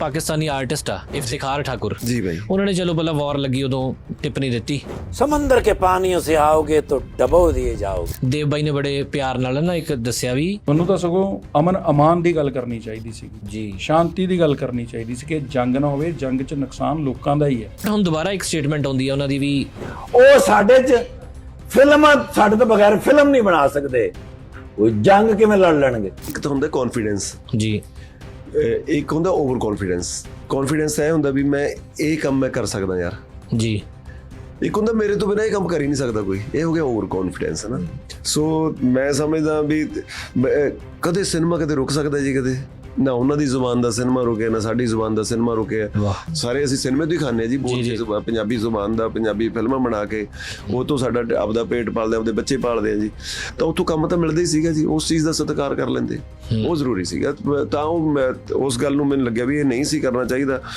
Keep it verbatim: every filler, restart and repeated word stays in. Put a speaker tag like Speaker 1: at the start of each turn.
Speaker 1: Pakistani artist ਆ ਇਫਤਿਖਾਰ ਠਾकुर
Speaker 2: जी भाई।
Speaker 1: ਉਹਨਾਂ ਨੇ ਚਲੋ ਪਹਿਲਾਂ ਵਾਰ ਲੱਗੀ ਉਦੋਂ ਟਿੱਪਣੀ ਦਿੱਤੀ।
Speaker 3: समंदर के पानियों से आओगे तो डबो दिए जाओगे।
Speaker 1: ਦੇਵ ਬਾਈ ਨੇ ਬੜੇ ਪਿਆਰ ਨਾਲ ਨਾ ਇੱਕ ਦੱਸਿਆ ਵੀ
Speaker 4: ਮੈਨੂੰ ਤਾਂ ਸਗੋਂ ਅਮਨ ਅਮਾਨ ਦੀ ਗੱਲ ਕਰਨੀ ਚਾਹੀਦੀ ਸੀ
Speaker 1: ਜੀ
Speaker 4: ਸ਼ਾਂਤੀ ਦੀ ਗੱਲ ਕਰਨੀ ਚਾਹੀਦੀ ਸੀ ਕਿ ਜੰਗ ਨਾ ਹੋਵੇ। ਜੰਗ 'ਚ ਨੁਕਸਾਨ ਲੋਕਾਂ ਦਾ ਹੀ ਹੈ।
Speaker 1: ਹੁਣ ਦੁਬਾਰਾ ਇੱਕ ਸਟੇਟਮੈਂਟ ਆਉਂਦੀ ਹੈ ਉਹਨਾਂ ਦੀ ਵੀ
Speaker 3: ਉਹ ਸਾਡੇ ਚ ਫਿਲਮ ਸਾਡੇ ਤੋਂ ਬਗੈਰ ਫਿਲਮ ਨਹੀਂ ਬਣਾ ਸਕਦੇ। ਉਹ ਜੰਗ ਕਿਵੇਂ ਲੜ ਲੈਣਗੇ?
Speaker 2: ਇੱਕ ਤਾਂ ਹੁੰਦਾ ਕੌਨਫੀਡੈਂਸ,
Speaker 1: ਜੀ
Speaker 2: ਇੱਕ ਹੁੰਦਾ ਓਵਰ ਕੌਨਫੀਡੈਂਸ। ਕੌਨਫੀਡੈਂਸ ਇਹ ਹੁੰਦਾ ਵੀ ਮੈਂ ਇਹ ਕੰਮ ਮੈਂ ਕਰ ਸਕਦਾ ਯਾਰ।
Speaker 1: ਜੀ
Speaker 2: ਇੱਕ ਹੁੰਦਾ ਮੇਰੇ ਤੋਂ ਬਿਨਾਂ ਇਹ ਕੰਮ ਕਰ ਹੀ ਨਹੀਂ ਸਕਦਾ ਕੋਈ। ਇਹ ਹੋ ਗਿਆ ਓਵਰ ਕੌਨਫੀਡੈਂਸ ਹੈ ਨਾ। ਸੋ ਮੈਂ ਸਮਝਦਾ ਵੀ ਮੈਂ- ਕਦੇ ਸਿਨੇਮਾ ਕਦੇ ਰੁਕ ਸਕਦਾ ਜੀ, ਕਦੇ ਨਾ ਉਹਨਾਂ ਦੀ ਜ਼ੁਬਾਨ ਦਾ ਸਿਨੇਮਾ ਰੁਕਿਆ ਨਾ ਸਾਡੀ ਜ਼ੁਬਾਨ ਦਾ ਸਿਨੇਮਾ ਰੁਕਿਆ।
Speaker 1: ਵਾਹ।
Speaker 2: ਸਾਰੇ ਅਸੀਂ ਸਿਨੇਮੇ ਤੋਂ ਹੀ ਖਾਂਦੇ ਹਾਂ ਜੀ, ਬੋਲ ਕੇ ਜ਼ੁਬਾਨ ਪੰਜਾਬੀ ਜ਼ੁਬਾਨ ਦਾ, ਪੰਜਾਬੀ ਫਿਲਮਾਂ ਬਣਾ ਕੇ ਉਹ ਤੋਂ ਸਾਡਾ ਆਪਦਾ ਪੇਟ ਪਾਲਦੇ, ਆਪਦੇ ਬੱਚੇ ਪਾਲਦੇ ਆ ਜੀ। ਤਾਂ ਉੱਥੋਂ ਕੰਮ ਤਾਂ ਮਿਲਦਾ ਹੀ ਸੀਗਾ ਜੀ, ਉਸ ਚੀਜ਼ ਦਾ ਸਤਿਕਾਰ ਕਰ ਲੈਂਦੇ, ਉਹ ਜ਼ਰੂਰੀ ਸੀਗਾ। ਤਾਂ ਉਹ ਮੈਂ ਉਸ ਗੱਲ ਨੂੰ ਮੈਨੂੰ ਲੱਗਿਆ ਵੀ ਇਹ ਨਹੀਂ ਸੀ ਕਰਨਾ ਚਾਹੀਦਾ।